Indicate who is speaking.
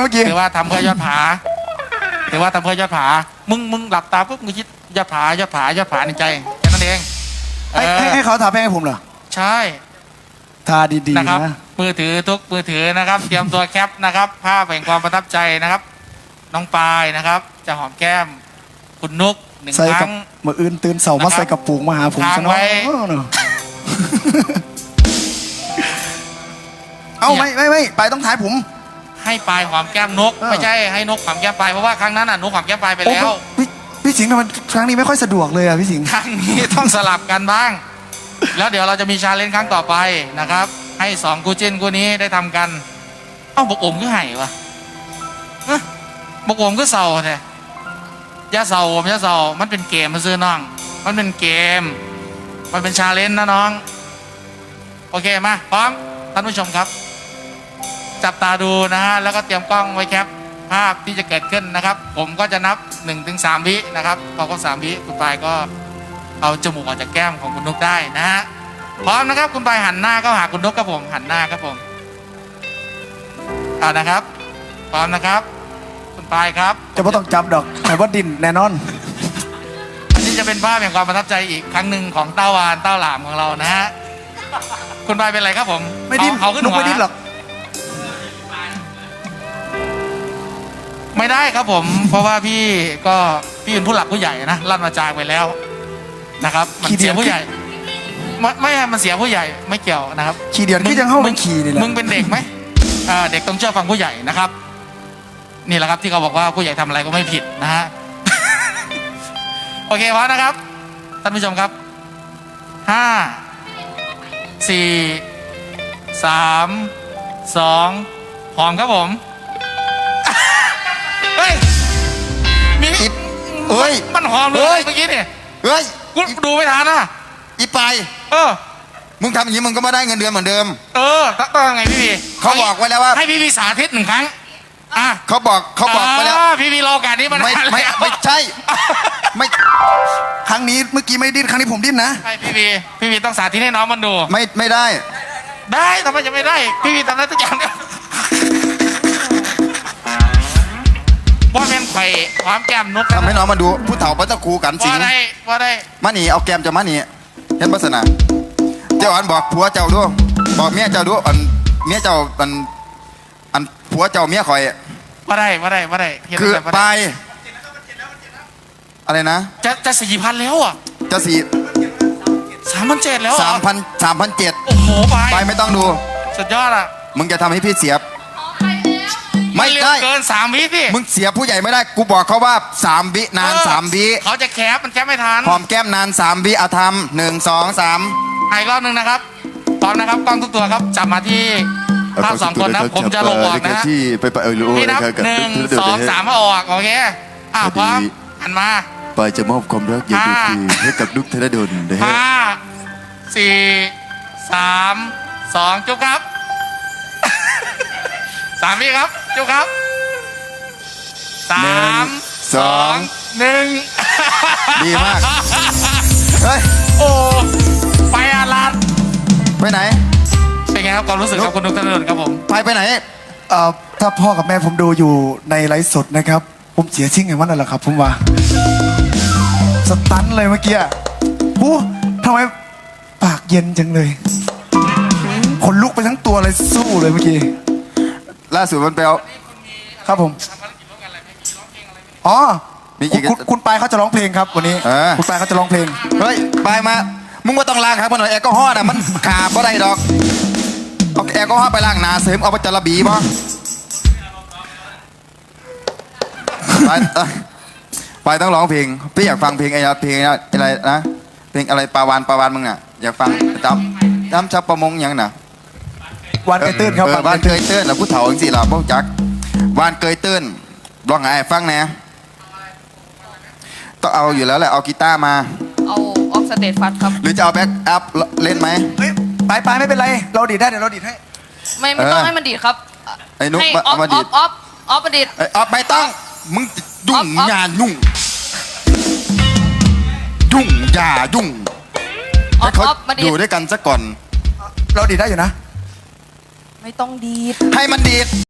Speaker 1: เมื่อกี้
Speaker 2: ถือว่าทำเพื่อยอดผาถือว่าทำเพื่อยอดผามึงหลับตาปุ๊บมึงคิดยอดผายอดผายอดผาในใจแค่นั้นเอง
Speaker 1: ให้เขาทาแป้งให้ผมเหรอ
Speaker 2: ใช่
Speaker 1: ทาดีๆ
Speaker 2: นะครับมือถือทุกมือถือนะครับเตรียมตัวแคปนะครับภาพแห่งความประทับใจนะครับน้องปายนะครับจะหอมแก้มคุณนุก1 ครั้ง
Speaker 1: เมื่ออื่นตื่นเสาร์มาใส่กระปุกมาหาผม
Speaker 2: ทางไว้
Speaker 1: เอาไม่ไปต้องถ่ายผม
Speaker 2: ให้ปายหอมแก้มนกไม่ใช่ให้นกหอมแก้มปายเพราะว่าครั้งนั้นน่ะนกหอมแก้มปายไปแล้ว
Speaker 1: พี่สิงห์ทำไมครั้งนี้ไม่ค่อยสะดวกเลยอ่ะพี่สิงห์
Speaker 2: ครั้งนี้ต้องสลับกันบ้างแล้วเดี๋ยวเราจะมีชาเลนจ์ครั้งต่อไปนะครับให้2คู่จิ้นคู่นี้ได้ทำกันเอ้าบกอมก็ไห่วะบกอมก็เศร้าแท้ยาเศร้าผมยาเศร้ามันเป็นเกมมาซื้อน้องมันเป็นเกมมันเป็นชาเลนจ์นะน้องโอเคมาพร้อมท่านผู้ชมครับจับตาดูนะฮะแล้วก็เตรียมกล้องไว้แคปภาพที่จะเกิดขึ้นนะครับผมก็จะนับ 1-3 วินะครับพอครบ3 วิคุณปายก็เอาจมูกออกจากแก้มของคุณนกได้นะฮะพร้อมนะครับคุณปายหันหน้าเข้าหาคุณนกครับผมหันหน้าครับผมนะครับพร้อมนะครับคุณปายครับ
Speaker 1: จะไม่ต้องจับดอกแต่ว่าดินแน่นอน
Speaker 2: อันนี้จะเป็นภาพแห่งความประทับใจอีกครั้งหนึ่งของเต้าวานเต้าหลามของเรานะฮะคุณปายเป็นไรครับผม
Speaker 1: ไม่ดิ้น
Speaker 2: เขาขึ้นหัว
Speaker 1: ไม่ดิ้นหรอก
Speaker 2: ไม่ได้ครับผมเพราะว่าพี่เป็นผู้หลักผู้ใหญ่นะลั่นมาจากไปแล้วนะครับมันเสียผู้ใหญ่ไม่มันเสียผู้ใหญ่ไม่เกี่ยวนะครับ
Speaker 1: ขี่เดียดที่ยังเข้าเป็นขี่นี่แหละ
Speaker 2: มึงเป็นเด็กไหมเด็กต้องเชื่อฟังผู้ใหญ่นะครับนี่แหละครับที่เขาบอกว่าผู้ใหญ่ทำอะไรก็ไม่ผิดนะฮะ โอเคพร้อมนะครับท่านผู้ชมครับ5 4 3 2พร้อมครับผมเฮ้ยมีมันหอมเลยเมื่อกี้เนี่ย
Speaker 3: เฮ้ย
Speaker 2: กูดูไม่ทันนะ
Speaker 3: อีไปมึงทำอย่างนี้มึงก็ไม่ได้เงินเดือนเหมือนเดิม
Speaker 2: ต้องไงพี่
Speaker 3: เขาบอกไว้แล้วว่า
Speaker 2: ให้พี่สาธิต1 ครั้ง
Speaker 3: เขาบอกไปแล้ว
Speaker 2: พี่รอการนี้มัน
Speaker 3: ไม่ใช่ไม่
Speaker 1: ครั้งนี้เมื่อกี้ไม่ดิ้นครั้งนี้ผมดิ้นนะ
Speaker 2: ใช่พี่ต้องสาธิตให้น้องมันดู
Speaker 3: ไม่ได้
Speaker 2: ทำไมจะไม่ได้พี่ทำได้ทุกอย่างว่าเป็นไข่ความแก้มนก
Speaker 3: ทำให้น้องมาดูผู้เฒ่าพระเจ้าครูกันสิง
Speaker 2: ว่าได้
Speaker 3: มาหนีเอาแก้มจะมาหนีเห็นปัสนาเจ้าอันบอกผัวเจ้าด้วยบอกเมียเจ้าด้วยเมียเจ้าอันผัวเจ้าเมียคอย
Speaker 2: ว่าได้
Speaker 3: คือไปอะไรนะ
Speaker 2: จะ4,000แล้วอ่ะ
Speaker 3: จะ
Speaker 2: 3,700แล้ว
Speaker 3: 3,700
Speaker 2: โอ้โห
Speaker 3: ไปไม่ต้องดู
Speaker 2: สุดยอดอ่ะ
Speaker 3: มึงจะทำให้พี่เสียบ
Speaker 2: ไม่ได้เกิน3 วิพี่
Speaker 3: มึงเสียผู้ใหญ่ไม่ได้กูบอกเขาว่า3 วินาน3 วิ
Speaker 2: เขาจะแคปมันแคปไม่ทัน
Speaker 3: หอมแก้มนาน3 วิเอาทำ1 2 3
Speaker 2: อีกรอบนึงนะครับพร้อมนะครับกล้องทุกตัวครับจับมาที่ภาพ2 คนนะผมจะลงออกนะ
Speaker 3: ที่ไป
Speaker 2: พี่นับ1 2 3ออกโอเคพร้อมหันมา
Speaker 3: ไปจะมอบความรักอย่างดีให้กับนุกธนดลนะฮะ
Speaker 2: 5 4 3 2จุ๊บครับ3 วิครับจุ๊บครับ3 2 1
Speaker 3: ดีมากเฮ้ย
Speaker 2: โอ้ไปอาลัด
Speaker 3: ไปไหน
Speaker 2: เป็นไงครับความรู้สึกครับคุณนุกธนดลครับผม
Speaker 3: ไปไหน
Speaker 1: ถ้าพ่อกับแม่ผมดูอยู่ในไลฟ์สดนะครับผมเสียชิ่งไงวันนั่นแหละครับผมว่าสตันเลยเมื่อกี้ทำไมปากเย็นจังเลยขนลุกไปทั้งตัวเลยสู้เลยเมื่อกี้
Speaker 3: ล่าสุดมันไปเอา
Speaker 1: ครับผมคุณปายเขาจะร้องเพลงครับวันนี้คุณปายเขาจะร้องเพลง
Speaker 3: เฮ้ยปายมามึงว่าต้องล้างครับมันหน่อยแอลกอฮอล์น่ะมันขาดเพราะอะไรดอกเอาแอลกอฮอล์ไปล้างหนาเสริมเอาไปจระบีป่ะไปต้องร้องเพลงพี่อยากฟังเพลงอะไรนะเพลงอะไรปาวานมึงอ่ะอยากฟังจำชาวประมงยังน่ะ
Speaker 1: วานเกยตื้นครับ
Speaker 3: วานเกยตื้นแล้วผู้เฒ่าจริงๆเราพวกจักวานเกยตื้นร้องไงฟังแน่ต้องเอาอยู่แล้วแหละเอากีตาร์มา
Speaker 4: เอาออกสเตจฟัดครับ
Speaker 3: หรือจะเอาแบ็กอัพเล่นไหม
Speaker 1: ไปไม่เป็นไรเราดีดได้เดี๋ยวเราดีดให้
Speaker 4: ไม่ต้องให้มันดีดครับ
Speaker 3: ไอ้นุ๊ก
Speaker 4: มาดีดออฟมาดีด
Speaker 3: ออฟไม่ต้องมึงยุ่งอย่ายุ่งอย่ายุ่งให้เขาอยู่ด้วยกันซะก่อน
Speaker 1: เราดีดได้อยู่นะ
Speaker 4: ไม่ต้องดีด
Speaker 3: ให้มันดีด